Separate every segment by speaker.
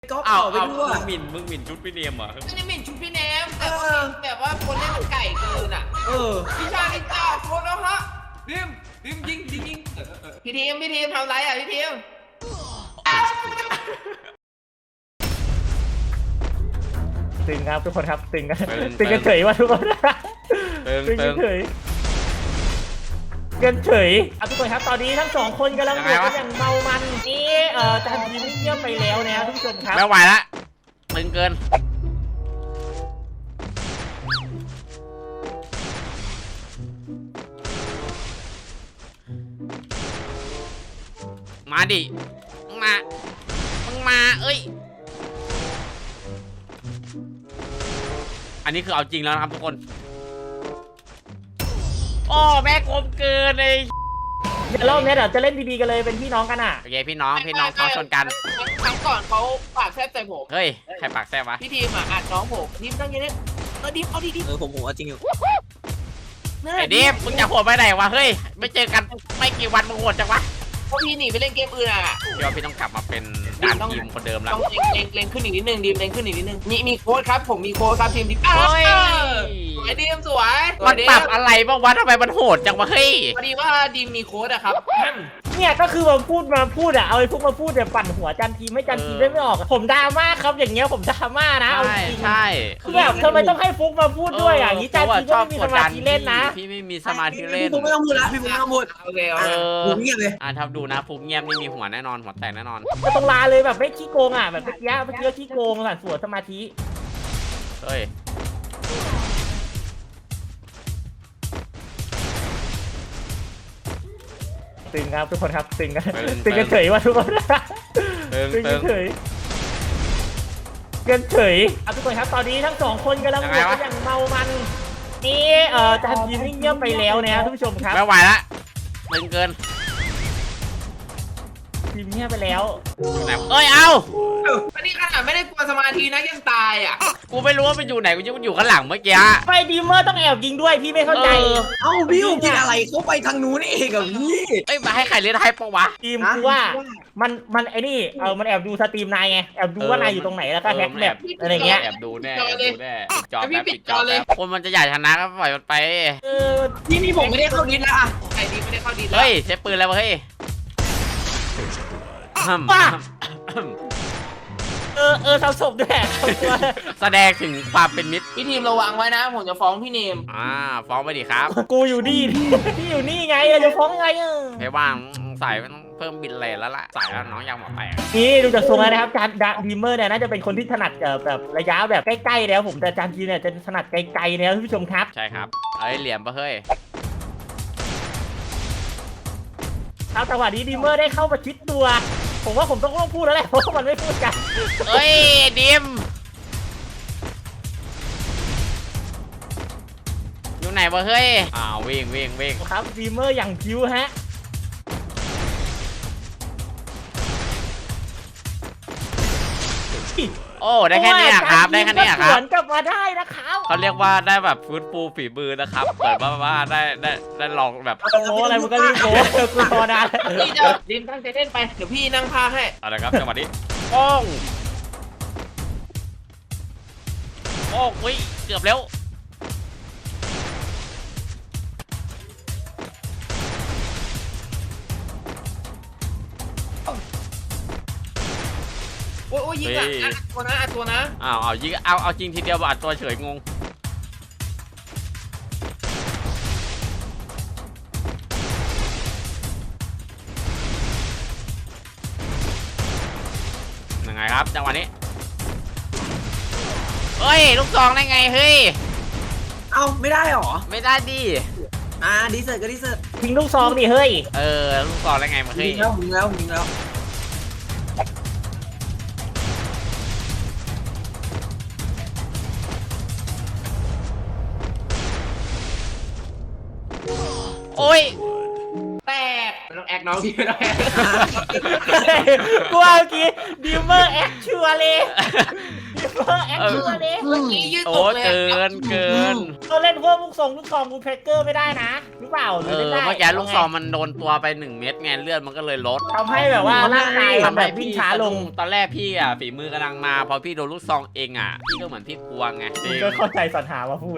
Speaker 1: ก็เผาไปทั่ว
Speaker 2: มึงหมิ่นชุดพี่เนียมเหรอ
Speaker 3: ไม่ได้หมิ่นชุดพี่เนมแต่แบบว่าคนเล่นมันไก่เกินอ่ะพี่ชาลิจ้าโคตรแล้วฮะดิมยิงพี่ทีมทำไรอ่ะพี่ทีม
Speaker 4: ตึงครับทุกคนครับตึงกันเฉยว่าทุกคนตึงกันเฉยทุกคนครับตอนนี้ทั้งสองคนกำลังบวกกันอย่างเมามันนี่จานทีมเงียบไปแล้วนะทุกคนครับ
Speaker 2: ไม่ไหวละตึงเกินมาดิมึงมาเอ้ยอันนี้คือเอาจริงแล้วนะครับทุกคนโอ้แม่กลมเกินเลย
Speaker 4: เดี๋ยวรอบนี้เดี๋ยวจะเล่นดีๆกันเลยเป็นพี่น้องกันอ่ะ
Speaker 2: โอเคพี่น้องเขาชนกัน
Speaker 3: ครั้งก่อนเขาปากแซ่บใส่ผม
Speaker 2: เฮ้ยใครปากแซ่บวะ
Speaker 3: พี่ทีมอ่ะอัดน้องผมทีมตั้งยังไงดิมเอาดิ
Speaker 1: ผมเอาจริงอยู่
Speaker 2: ไอ้ดิมมึงจะโหดไปไหนวะเฮ้ยไม่เจอกันไม่กี่วันมึงโหดจังวะ
Speaker 3: เพราะพี่หนีไปเล่นเกมอื่นอ่ะ
Speaker 2: พี่ว่าพี่ต้องกลับมาเป็นดานทีมคนเดิมแล้ว
Speaker 3: ต้องเล็งขึ้นอีกนิดนึงดิมเล็งขึ้นอีกนิดนึงมีโค้ดครับผมมีโค้ดครับทีมดิมสวยดิมสวย
Speaker 2: มันปรับอะไรบ้างวะทำไมมันโหดจังวะเฮ้ย
Speaker 3: พอดีว่าดิมมีโค้ดอะครับ
Speaker 4: เนี่ยก็คือมาพูดอ่ะเอาไอ้พวกมาพูดเนี่ยปั่นหัวจันทีไม่จันทีได้ไม่ออกผมดราม่าครับอย่างเงี้ยผมดราม่านะเอาจริง
Speaker 2: ใช่
Speaker 4: คือแบบทำไมต้องให้ฟุกมาพูดด้วยอ่ะนี้จันทีก็ไม่มีสมาธิเล่นนะ
Speaker 2: พี่ไม่มีสมาธิเล่น
Speaker 1: พี่ฟุกไม่ต้องพูดละพี่ฟุกไม่ต้องพูด
Speaker 3: โอเค
Speaker 1: ผมเงียบเลย
Speaker 2: ทับดูนะฟุกเงียบนี่มีหัวแน่นอนหัวแตกแน่นอน
Speaker 4: ก็ต้องลาเลยแบบไม่ขี้โกงอ่ะแบบเมื่อกี้ขี้โกงสั่นสวนสมาธิ
Speaker 2: เฮ้ย
Speaker 4: ตึงครับทุกคนครับตึงกันเฉยว่าทุกคนตึงกันเฉยทุกคนครับตอนนี้ทั้งสองคนกำลังบวกกันอย่างเมามันนี่จานทีมเงียบไปแล้วนะท่านผู้ชมครับ
Speaker 2: ไม่ไหวละตึงเกิน
Speaker 4: ทีมเงียบไปแล้ว
Speaker 2: เอ้ยเอา
Speaker 3: อันนี้ขนาดไม่ได้กลัวสมาธินะยังตายอ่ะ
Speaker 2: กูไม่รู้ว่ามันอยู่ไหนกูอยู่ข้างหลังเมื่อกี้
Speaker 4: ไฟดีเมอร์ต้องแอบยิงด้วยพี่ไม่เข้าใจ
Speaker 1: พี่กินอะไรเขาไปทางนู้นเองกับพี่
Speaker 2: เอ้ยมาให้ใครเล่นให้ปะวะ
Speaker 4: ทีมคือว่ามันไอ้นี่มันแอบดูสตรีมนายไงแอบดูว่านายอยู่ตรงไหนแล้วก็แฮกแบบอะไรเงี้ย
Speaker 2: แอบดูแน่จอแบบปิดจอเลยคนมันจะใหญ่ชนะก็ปล่อยมันไป
Speaker 3: นี่ผมไม่ได้เข้าดิสแล้วอ่ะไอ้ดิสไม่ได้เข้าดิส
Speaker 2: เฮ้ยใช้ปืนแล้วเฮ้ย
Speaker 4: ทำศพด้วย
Speaker 2: แสดงถึงความเป็นมิตร
Speaker 3: พี่ทีมระวังไว้นะผมจะฟ้องพี่เนม
Speaker 2: ฟ้องไปดิครับ
Speaker 4: กูอยู่นี่พี่อยู่นี่ไงจะฟ้องไง
Speaker 2: เพว่างใส่ต้องเพิ่มบินเลยแล้วล่ะใส่แล้วน้องยังหมดไป
Speaker 4: นี่ดูจากทรงแล้วนะครับจานดีเมอร์เนี่ยน่าจะเป็นคนที่ถนัดแบบระยะแบบใกล้ๆแล้วผมแต่จานทีเนี่ยจะถนัดไกลๆนะท่านผู้ชมครับ
Speaker 2: ใช่ครับเอ้ยเหลี่ยมปะเฮ้ย
Speaker 4: เอาจังหวะนี้ดีเมอร์ได้เข้ามาชิดตัวผมว่าผมต้องพูดแล้วแหละเพราะมันไม่พูดกัน
Speaker 2: เฮ้ยดิมอยู่ไหนวะเฮ้ยวิ่ง
Speaker 4: ครับดีเมอร์อย่างคิวฮะ
Speaker 2: โอ้ได้แค่นี้ครับได้แค่นี้ครับ
Speaker 4: สวนกลับมาได้นะครับ
Speaker 2: เขาเรียกว่าได้แบบฟื้นฟูฝีมือนะครับเปิดว่าได้ลองแบบ
Speaker 4: โอ้อะไรมันก็รีบโอ้กูพอได้
Speaker 3: ดิมตั้งใจเล่นไปเดี๋ยวพี่นั่งพาให้
Speaker 2: อะไรครับจังหวะนี้โอ้ยเกือบแล้ว
Speaker 3: โอ้ยยิงอ่ะอัดตัวนะ
Speaker 2: ยิงเอาจริงทีเดียวอัดตัวเฉยงงยังไงครับจังหวะนี้เฮ้ยลูกซองได้ไงเฮ้ย
Speaker 1: ไม่ได้หรอ
Speaker 2: ไม่ได้ดิ
Speaker 1: ดีเซอร์ก็ดีเซอร์
Speaker 4: ทิ้งลูกซองดิเฮ้ย
Speaker 2: ลูกซองได้ไงมาเฮ้ย
Speaker 1: ยิงแล้ว
Speaker 2: โอ้ย
Speaker 3: แตกต้องแอกน้องพี่ไม่ได้
Speaker 4: กูเอากี้ดิมเมอร์แอคชัวร์เลยดิแอคเกอร์ดิ
Speaker 3: เมื่อกี้ยืด
Speaker 2: โอ้
Speaker 3: ตกเลย
Speaker 2: เกิน
Speaker 4: เราเล่นพวกลูกทองบูแพคเกอร์ไม่ได้นะหรือเปล่าห
Speaker 2: เอ
Speaker 4: รือ
Speaker 2: อ
Speaker 4: เล่นได้
Speaker 2: เมื่อกี้ลูกซองมันโดนตัวไป1 เม็ดไงเลือดมันก็เลยลด
Speaker 4: ทำให้แบบว่าร่างกายมันแบบวิ่งช้าลง
Speaker 2: ตอนแรกพี่อ่ะฝีมือกำลังมาพอพี่โดนลูกซองเองอ่ะพี่ก็เหมือนพี่กลัวไง
Speaker 4: คุณก็เข้าใจสรรหามาพูด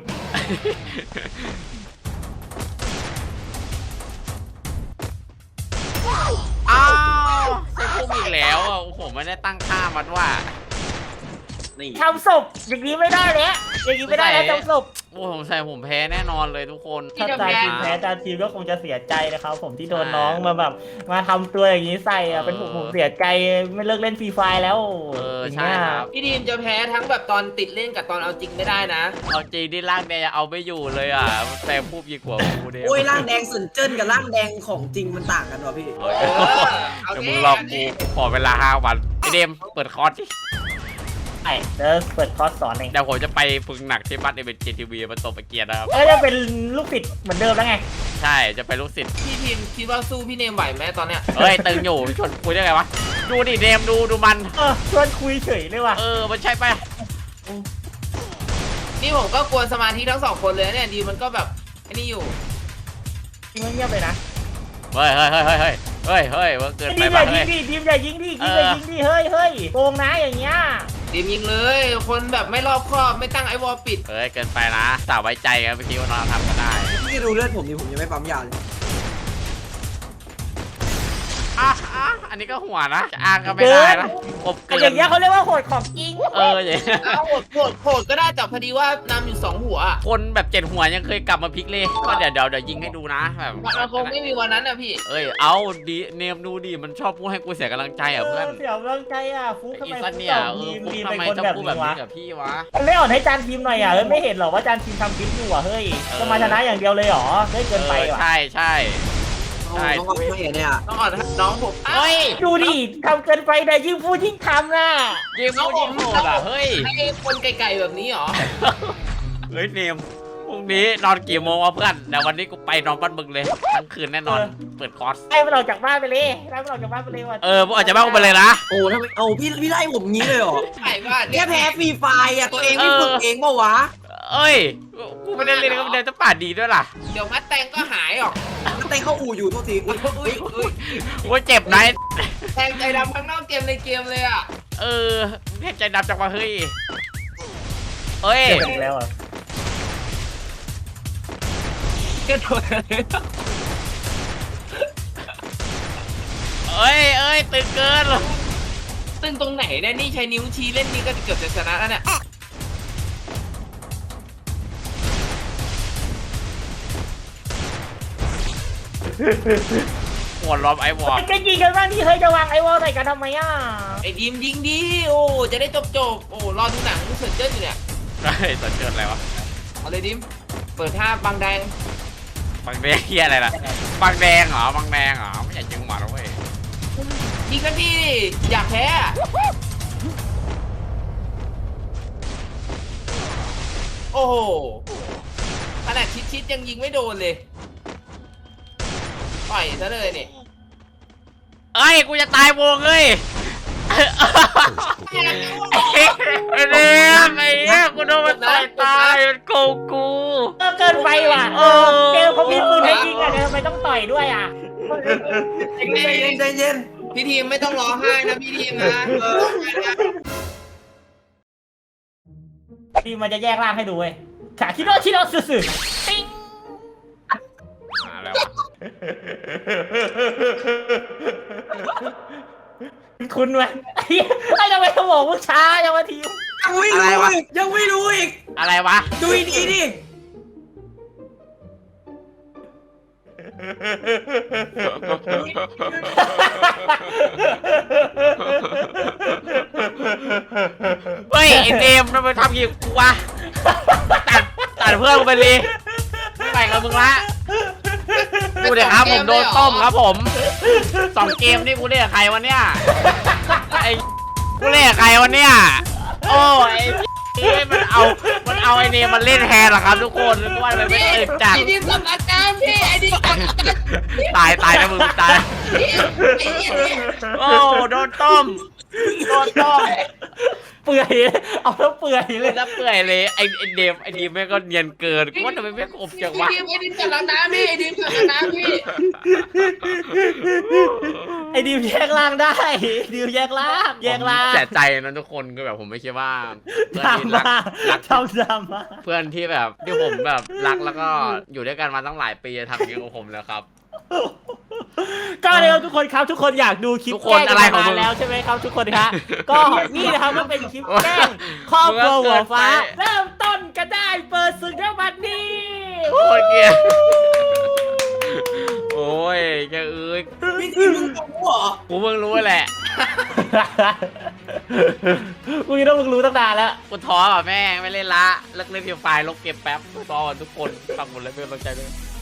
Speaker 2: อ้าวใช่พุ่มอีกแล้วอ่ะผมไม่ได้ตั้งค่ามันว่า
Speaker 1: นี่
Speaker 4: ทำศพอย่างนี้ไม่ได้แล้วอย่างนี้ไม่ได้แล้วทำศพ
Speaker 2: โอ้ผมใส่ผมแพ้แน่นอนเลยทุกคน
Speaker 4: ถ้าจานทีมแพ้จานทีมก็คงจะเสียใจนะครับผมที่โดนน้องมาแบบมาทำตัวอย่างนี้ใส่อะเป็นผมเสียใจไม่เลิกเล่นฟรีไฟแล้ว
Speaker 2: เออใช่ครับ
Speaker 3: พี่ทีมจะแพ้ทั้งแบบตอนติดเล่นกับตอนเอาจริงไม่ได้นะ
Speaker 2: เอาจริงที่ร่างแดงเอาไม่อยู่เลยอ่ะแต่พูดยิ่งกว่ากูเดียว
Speaker 1: โอ้ยร่างแดงสุนเจิ้นกับร่างแดงของจริงมันต่างกันวะพี่
Speaker 2: เดี๋ยวมึงรอกูขอเวลา5 วันไอเดมเปิดคอร์สดิ
Speaker 4: ไอ้เดี๋ยวเปิดคอร์สสอนเอง
Speaker 2: เดี๋ยวผมจะไปฝึกหนักที่บ้านเอเวนเจทีวีมาตบไปเกียร์นะครับ
Speaker 4: ก็จะเป็นลูกศิษย์เหมือนเดิมแล้วไง
Speaker 2: ใช่จะไปลูกศิษย์
Speaker 3: พี่ทีมคิดว่าสู้พี่เนมไหวไหมตอนเนี้ย
Speaker 2: เฮ้ยตึงอยู่ชวนคุยได้ไงวะดูดิเดมดูมัน
Speaker 4: ชวนคุยเฉยเลยว่ะ
Speaker 2: มันใช่ไปะ
Speaker 3: นี่ผมก็กวนสมาธิทั้ง2 คนเลยเนี่ยดีมันก็แบบไอ้นี่อยู่
Speaker 4: จริงเงียบเลยนะ
Speaker 2: เฮ้ยว่าเกินไป
Speaker 4: ทีมอ
Speaker 2: ป่ะ
Speaker 4: ย่ายิ
Speaker 2: เฮ้
Speaker 4: ง
Speaker 2: ย
Speaker 4: ดิทีมอย่ายิงดิทีมอย่ายิงดิเฮ้ยโกงนะอย่างเงี้ย
Speaker 3: ทีมยิงเลย คนแบบไม่รอบคอบไม่ตั้งไอ้วอลปิด
Speaker 2: เฮ้ยเกินไปนะสาวไว้ใจกันเมื่อกี้ว่าน้องทำก็ได้
Speaker 1: พี่ดูเลือดผมนี่ผมยังไม่ปั๊มยาเลย
Speaker 2: อันนี้ก็หัวนะจะอ้างก็ไม่ได้นะอบเกิ
Speaker 4: อย่างเงี้ยเขาเรียกว่าโหดของจริง
Speaker 2: อย่างเงี้ย
Speaker 3: เอาโหดก็ได้แต่พอดีว่านำอยู่2 หัวอะ
Speaker 2: คนแบบ7 หัวยังเคยกลับมาพลิกเลยก็เดี๋ยวยิงให้ดูนะแบบ
Speaker 3: มันคงไม่มีวันนั้นนะพี่
Speaker 2: เอาดีเนมดูดิมันชอบพูดให้กูเสียกำลังใจอ่ะเพื่อน
Speaker 4: เสียกำลังใจอ่ะฟุกทำ
Speaker 2: อี
Speaker 4: ไม
Speaker 2: สั
Speaker 4: ฟุ
Speaker 2: น
Speaker 4: ก
Speaker 2: เนี่ย
Speaker 4: ต่อทีม
Speaker 2: ฟุก
Speaker 4: ทีม
Speaker 2: ทำ
Speaker 4: เป็น
Speaker 2: ไม
Speaker 4: คน
Speaker 2: ต้อง
Speaker 4: แบบ
Speaker 2: พูดแบ
Speaker 4: นี้
Speaker 2: บ
Speaker 4: วะ
Speaker 2: นี้กับพี่วะ
Speaker 4: มันไม่อ่อนให้จานทีมหน่อยอ่ะไม่เห็นหรอว่าจานทีมทำคลิปอยู่อ่ะเฮ้ยจะมาชนะอย่างเดียวเลยหรอเฮ้ยเกินไปว่ะ
Speaker 2: ใช่
Speaker 1: ใช่ต้องเอาไปเนี่ย
Speaker 3: ต้องอ่อนน้องผม
Speaker 2: เฮ้ย
Speaker 4: ดูดิทำเกินไปแต่ยิ่งพูดยิ่งทำน่ะ
Speaker 2: ยิงพูดยิงโหดอ่ะเฮ้ย
Speaker 3: ไอ้คนไกลๆแบบนี้เหรอ
Speaker 2: เฮ้ยเนมพรุ่งนี้นอนกี่โมงวะเพื่อนเดี๋ยววันนี้กูไปนอนบ้านมึงเลยทั้งคืนแน่นอนเปิดคอร์ส
Speaker 4: ไล่มันออกจากบ้านไปเลยไล่มันออกจากบ้านไปเลยว่ะ
Speaker 2: พวกอาจจะบ้ากูไปเลยนะ
Speaker 1: โอ้ทำไมเอาพี่ไล่ผมงี้เลยเหรอ
Speaker 3: ไก่บ้าน
Speaker 1: แค่แพ้ฟรีไฟอ่ะตัวเองไม่ฝึกเองเปล่าวะ
Speaker 2: เอ้ยกูไม่ได้เล่นก็ไม่ได้จะป่าดีด้วยล่ะ
Speaker 3: เดี๋ยวมัดแตงก็หายหรอก
Speaker 1: มันเต้นเข้าอู่อยู่โทษทีอุ๊ย
Speaker 3: อุ้ย
Speaker 2: ว่าเจ็บนะ
Speaker 3: แตงใจดำข้างนอกเกมในเกมเลยอ่ะ
Speaker 2: แค่ใจดำจังวะเฮ้ยเอ้ย
Speaker 4: เจ็บอีกแล้วอ่ะ
Speaker 3: เก็ตตัวเลย
Speaker 2: เอ้ยตึงเกิน
Speaker 3: ตึงตรงไหนเนี่ยนี่ใช้นิ้วชี้เล่นนี่ก็เกือบจะชนะแล้วเนี่ย
Speaker 2: หัวล้อมไอ้วอร์
Speaker 4: จะยิงกันบ้างที่เฮ้ยจะวางไอ้วอลใส่กันทำไมอ่ะ
Speaker 3: ไอ้ดีมยิงดีโอ้จะได้จบโอ้รอดูหนังเสร็จเจ้าอยู่เนี่ย
Speaker 2: เฮ้ยสนเกินอะไรวะ
Speaker 3: เอาเลยดิมเปิดท่าบางแดง
Speaker 2: บางแดงเฮียอะไรล่ะบางแดงเหรอบางแดงเหรอไม่อยากยิงหมาแล้วเว้ย
Speaker 3: ยิงกันดีอยากแพ้โอ้โหขนาดชิดยังยิงไม่โดนเลยปล่อยซะเลยเนี่ย
Speaker 2: เอ้ยกูจะตายวงเอ้ยไอ้เด็กไอ้เหี้ยกูโดนมันตายมันโกงกู
Speaker 4: เกินไปว่ะเกลเขามีปืนให้ยิงอ่ะทำไมต้องต่อยด้วยอ่ะ
Speaker 1: ใจเย็น
Speaker 3: พี่ทีมไม่ต้องร้องไห้นะพี่ทีมนะ
Speaker 4: ทีมมันจะแยกร่างให้ดูเว้ยขาคิโนสื่อๆติ้ง
Speaker 2: อะไรวะ
Speaker 4: คุณไหมไอ้ทำไมสมองมึงช้ายังมาทีม
Speaker 1: ยังไม่รู้อีก
Speaker 2: อะไรวะ
Speaker 1: ดูดีดิ
Speaker 2: เฮ้ยไอ้เดมทำไมทำอย่างกูวะตัดเพื่อนกูไปเลยไม่ไปกับมึงละกูเดี๋ยวครับผมโดนต้มครับผม2 เกมนี่กูเล่นกับใครวะเนี่ยไอ้กูเล่นกับใครวะเนี่ยโอ้ยมันเอาไอ้เนมมันเล่นแทนเหรอครับทุกคนนึกว่ามันไม่ตื่นจัด
Speaker 3: พี่ทีมทำอาการพี่ไอ้ดิ
Speaker 2: ตายนะมึงตายโอ้โดนต้ม
Speaker 4: เปื่อยเอาแล้วเปื่อยเลย
Speaker 2: แล้วเปื่อยเลยไอ้เดมแม่งก็เนียนเกินกูว่าทำไมแม่งอบจังวะ
Speaker 3: ไอ้ดิมกับน้ำพี่ไอ้ดิมกับน้ำพี่
Speaker 4: ไอ้ดิวแยกล่างได้ดิวแยกล่าง
Speaker 2: เสียใจนะทุกคนก็แบบผมไม่คิดว่าเพื่อน
Speaker 4: ดรา
Speaker 2: ที่รั
Speaker 4: ม่าก ทำดราม่า
Speaker 2: เพื่อนที่แบบที่ผมแบบรักแล้วก็อยู่ด้วยกันมาตั้งหลายปีจะทำอย่างนี้กับผมแล้วครับ
Speaker 4: ก็เร็วทุกคนครับทุกคนอยากดูคลิป
Speaker 2: ทุกคน
Speaker 4: แกล้ง
Speaker 2: อะไรของ
Speaker 4: มา
Speaker 2: มึง
Speaker 4: แล้วใช่ไหมครับทุกคนครับก็นี่นะครับก็เป็นคลิปแกล้งครอบครัวหัวฟ้า เริ่มต้นกันได้เปิดศึกแล้วบัดนี้
Speaker 2: โคตรเกลียดโอ้ยแกเอ้ย
Speaker 1: พี่ทีมึงตกหัว
Speaker 2: กูเพิ่งรู้แหละ
Speaker 4: มึงต้องมึงรู้ตั้งนานแล้ว
Speaker 2: กูท้ออ่ะแม่งไม่เล่นละเลิกเล่นเพียงไฟล์ลบเก็บแป๊บกูท้ออ่ะทุกคนฟังหมดเลยเป็นกำลังใจด้วย